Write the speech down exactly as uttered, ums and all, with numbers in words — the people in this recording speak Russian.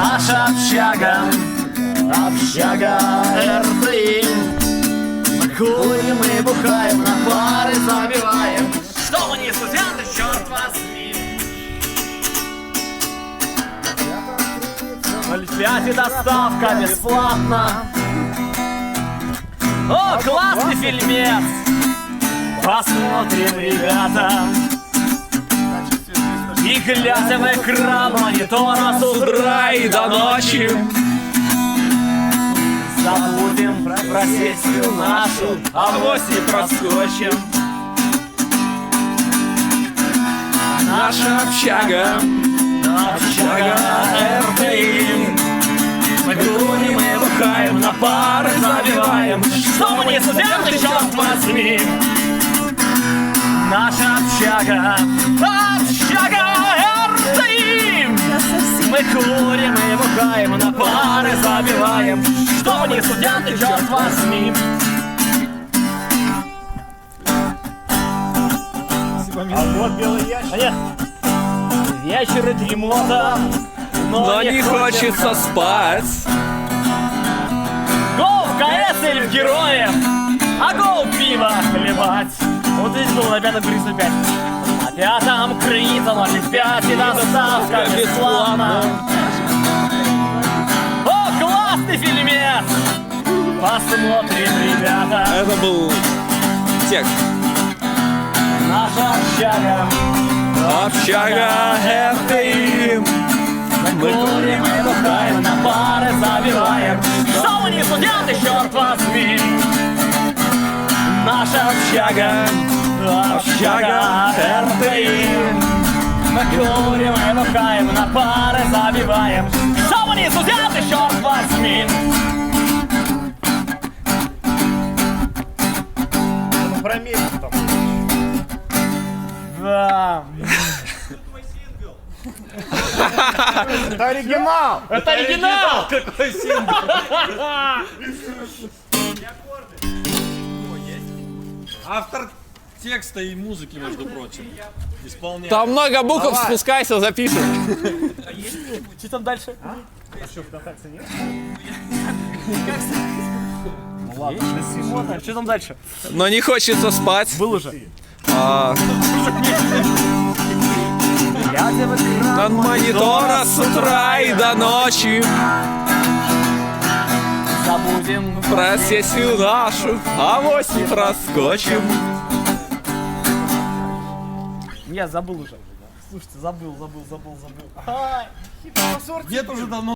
Наша общага, общага эр тэ эм. Мы курим и бухаем, на пары забиваем. Что мы не студенты, черт возьми. ноль пять и доставка бесплатно. О, классный фильмец! Посмотрим, ребята. И глядя в экран монитора с утра и до ночи, забудем про сессию нашу, а вось не проскочим. Наша общага, общага эр тэ эм. Мы курим и бухаем, на пары забиваем. Что мы не студенты, черт возьми. Наша общага, общага эр тэ эм. Мы курим и бухаем, на пары забиваем. Что мы не студенты, черт возьми. А вот белый ящик. Вечер и дремота, но, Но не хочется спать. Гоу в ка эс или в героев, а гоу пиво хлебать. Вот здесь было на пятом тридцать пять. На пятом крыто ноль пять и доставка бесплатно. О, классный фильмец! Посмотрим, ребята. Это был текст. Наша общага, Общага эр тэ эм. мы курим и бухаем, на пары забиваем. Что мы не студенты, черт возьми. Наша общага, общага эр тэ эм. Мы курим и бухаем, на пары забиваем. Что мы не студенты, черт возьми. Про месяц там. Да. Это оригинал! Это оригинал! Какой символ? Автор текста и музыки, между прочим, исполняет. Там много букв, спускайся, записывай. Что там дальше? Ну ладно, смотрим. Что там дальше? Но не хочется спать. Был уже. А, Глядя в экран над монитора с утра и до ночи. забудем Про сессию нашу, а вось не проскочим. Я забыл уже. Слушайте, забыл, забыл, забыл, забыл. Ай, Дед уже давно